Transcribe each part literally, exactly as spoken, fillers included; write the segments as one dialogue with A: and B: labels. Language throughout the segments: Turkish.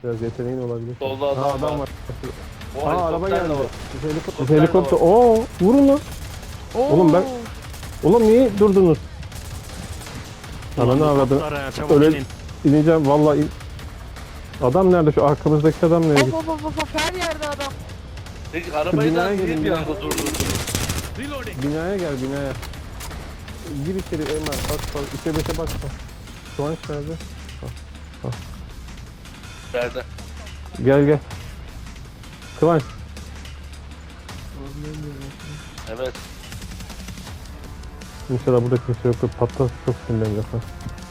A: Biraz yeteneğin olabilir.
B: Solda adam,
A: ha, adam var.
B: var. O
A: Aa araba
B: helikopter
A: geldi.
B: de var.
A: Helikopter. Helikopter. Oo vurun lan.
C: Oo.
A: Oğlum ben- Oğlum niye durdunuz? Ananı avradı.
D: Kaplara, çabuk
A: Öyle
D: inin.
A: ineceğim vallahi. in- Adam nerede, şu arkamızdaki adam nereye
C: Hop
A: gitti?
C: hop hop hop hop, her yerde adam.
B: Peki arabayı
A: binaya
B: da niye
A: gelin
B: bir
A: ya.
B: anda durdurdunuz?
A: Binaya gel binaya. Gir içeri Emre. Bak bak. İçe beşe bak. bak. Kıvanç nerede?
B: Nerede?
A: Gel gel. Kıvanç.
B: Evet.
A: İnşallah burada kimse yoktur. Patlat, çok sinirlenecek ha.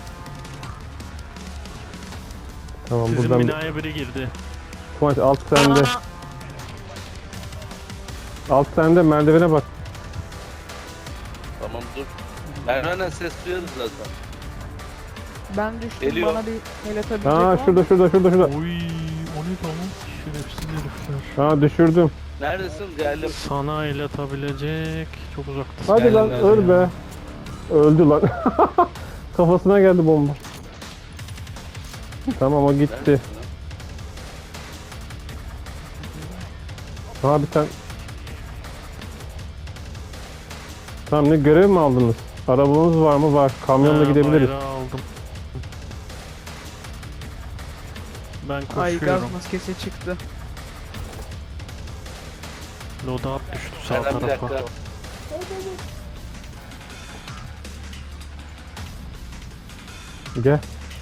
A: Tamam
D: Sizin
A: buradan.
D: binaya biri girdi.
A: Kıvanç alt sende.
C: Aa,
A: Alt sende, merdivene bak.
B: Tamam dur. Merdivenden ses duyarız zaten.
C: ben düştüm,
B: Geliyor.
C: bana bir el atabilecek
A: Ha
C: var mı?
A: şurada şurada şurada şurada.
D: Oy, o ne tamam? Şerefsiz herifler.
A: Ha düşürdüm.
B: Neredesin? Geldim.
D: Sana el atabilecek. Çok uzaktasın.
A: Hadi
B: Geldim,
A: lan
B: geldim
A: öl
D: ya.
A: be. Öldü lan. Kafasına geldi bomba. Tamam o gitti.
B: Neredesin lan?
A: Ha bir tane. Tamam, ne görev mi aldınız? Arabanız var mı? Var. Kamyonla
D: Ha,
A: gidebiliriz.
D: bayrağı aldım. Ben
C: Ay, gaz
D: koşuyorum.
C: maskesi çıktı.
D: Loadout düştü sağ
B: Nereden bir
D: tarafa.
B: dakika.
A: Gel.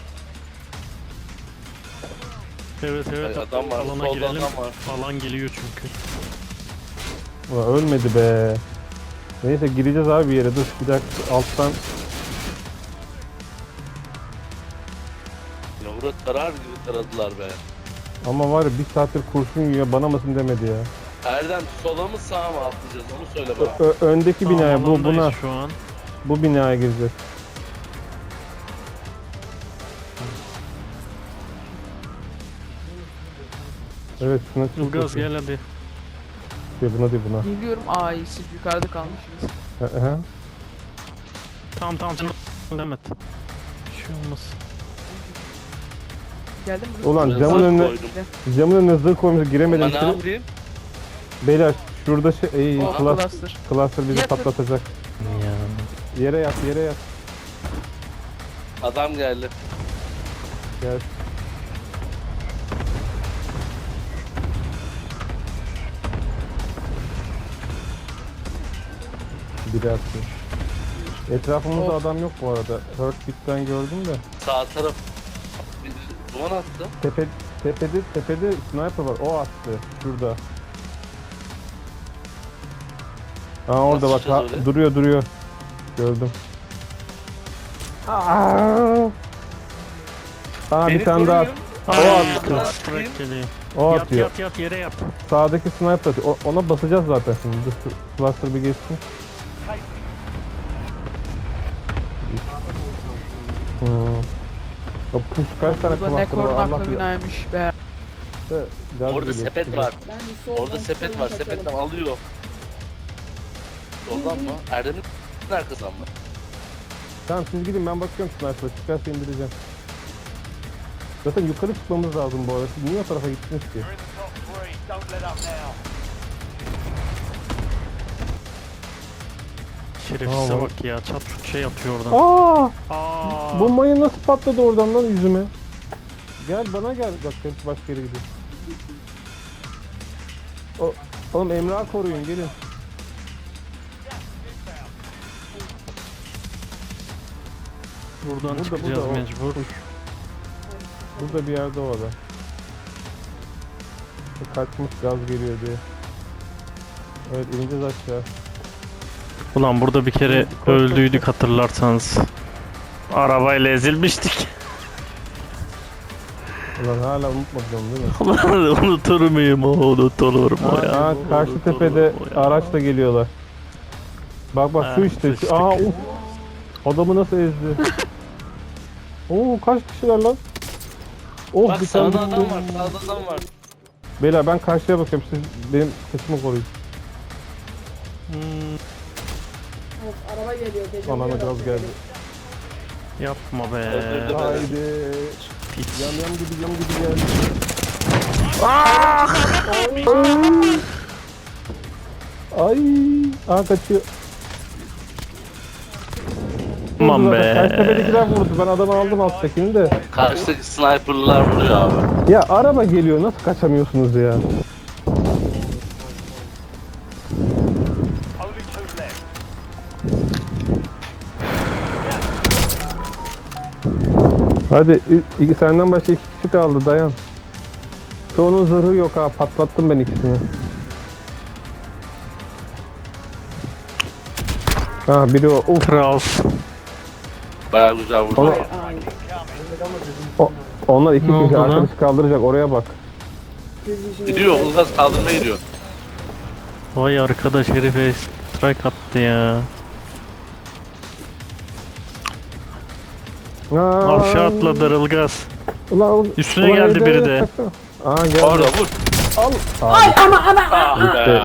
D: Evet evet.
B: Ay, adam var,
D: Alana
B: solda
D: girelim.
B: adam var.
D: Alan geliyor çünkü.
A: Ulan ölmedi be. Neyse gireceğiz abi bir yere. Dur bir dakika alttan.
B: Ya Murat karar gibi taradılar be.
A: Ama var ya bir saattir kurşun yiyor, bana mısın demedi ya.
B: Erdem sola mı sağa mı atlayacağız onu söyle bana.
A: Ö- ö- öndeki binaya,
D: Tamam,
A: bu
D: alandayız
A: buna,
D: şu an.
A: bu binaya gireceğiz. Evet şuna çık.
D: Ilgaz gel hadi.
A: Şey, buna değil buna.
C: Geliyorum. Ay, siz yukarıda kalmışsınız.
A: Hı hı.
D: Tamam tamam sen Mehmet. Bir şey olmaz.
C: Geldim mi?
A: Ulan
B: Biraz
A: camın
B: zırh
A: önüne,
B: koydum.
A: camın önüne zırh koymuş, giremedim
B: Ama ne
A: içeri.
B: yapayım?
A: Beyler şurada şey, ey,
C: Oh,
A: cluster,
C: cluster.
A: cluster bizi
C: Yatır.
A: patlatacak.
D: Ya.
A: Yere yat, yere yat.
B: Adam geldi.
A: Gel. Biri attı. Etrafımızda
C: Of.
A: adam yok bu arada. Heartbeat'ten gördüm de.
B: Sağ taraf. Bir duman attı.
A: Tepe, tepede, tepede sniper var. O attı. Şurada. Aa orada
B: Nasıl
A: bak. Ha,
B: çıkacağız öyle?
A: duruyor duruyor. Gördüm. Aa! Aa bir
B: Beni
A: tane daha.
B: koruyun.
A: O
D: Ay,
A: attı.
D: cluster geliyor.
A: O
D: Yat
A: atıyor.
D: yat yat yere yat.
A: Sağdaki sniper atıyor. O- ona basacağız zaten şimdi. Dur, şu cluster bir geçsin. Hmm. O push kaç tane
C: Bu da ne
A: cluster var Allah
C: korunaklı
A: bilir.
C: binaymış be.
A: Gaz
B: Orada
A: geliyor,
B: sepet
A: çıkacak.
B: var. Orada sepet var. Sepetten alıyor. Soldan mı? Erdem'in arkasından mı?
A: Tamam siz gidin, ben bakıyorum sniper'a, çıkarsa indireceğim. Zaten yukarı çıkmamız lazım bu arada. Siz niye o tarafa gittiniz ki?
D: Şerefsize
A: Aa,
D: bak ya. Çat şut şey atıyor oradan.
A: Aa!
D: Aa.
A: Bu mayın nasıl patladı oradan lan yüzüme? Gel bana gel. Bak hepsi başka yere gidiyor. O, oğlum Emrah'ı koruyun gelin.
D: Buradan
A: Burada,
D: çıkacağız
A: burada, o-
D: mecbur.
A: Burada bir yerde o adam. Kaçmış, gaz geliyor diye. Evet ineceğiz aşağı.
D: Ulan burada bir kere
A: Koş, koş,
D: öldüydük hatırlarsanız. Arabayla ezilmiştik.
A: Ulan hala unutmadım değil mi?
D: Ulan unutur muyum o unutur mu
A: Aa,
D: ya?
A: aa, karşı
D: Unutur
A: tepede
D: mu ya?
A: araçla geliyorlar. Bak bak şu
D: Ha,
A: işte. Şu,
D: sıçtık.
A: aa uf. Adamı nasıl ezdi? Oo kaç kişiler lan? Oh
B: Bak
A: bir tane
B: sağda adam
A: düştü.
B: var. Sağda adam var.
A: Beyler ben karşıya bakıyorum, siz benim kısmı koruyun.
D: Hmm,
E: Of, araba geliyor. Gece
A: Anana gaz geldi.
D: yapma be.
B: Öldürdü beni.
A: Haydi.
D: Piç.
A: Yam yam gibi yam gibi geldi. Ay. Aa kaçıyor.
D: Aman
A: Vurdu
D: be.
A: zaten. Karşıtepedekiler vurdu. Ben adamı aldım alttakini de.
B: Karşıdaki sniper'lar vuruyor abi.
A: Ya araba geliyor. Nasıl kaçamıyorsunuz ya? Hadi i- i- senden başka iki kişi kaldı, dayan. Şu onun zırhı yok ha, patlattım ben ikisini. Ha biri o. Uf.
D: Kral.
B: Bayağı güzel vurdu.
A: Onu,
E: Ay.
A: o, onlar iki
D: Ne oldu
A: kişi
D: lan?
A: arkadaşı kaldıracak, oraya bak.
E: Yüz yüzüne
B: Gidiyor,
E: yeter.
B: Ulgaz kaldırmaya gidiyor.
D: Vay arkadaş herife strike attı ya.
A: Aa,
D: Aşağı atladı Ilgaz.
A: Ulan,
D: Üstüne
A: ulan
D: geldi
A: evde
D: biri
A: yok,
D: de.
A: kaçsana. Aa geldi.
B: Orada vur.
A: Al.
E: Ay ama ama.
B: Ah be.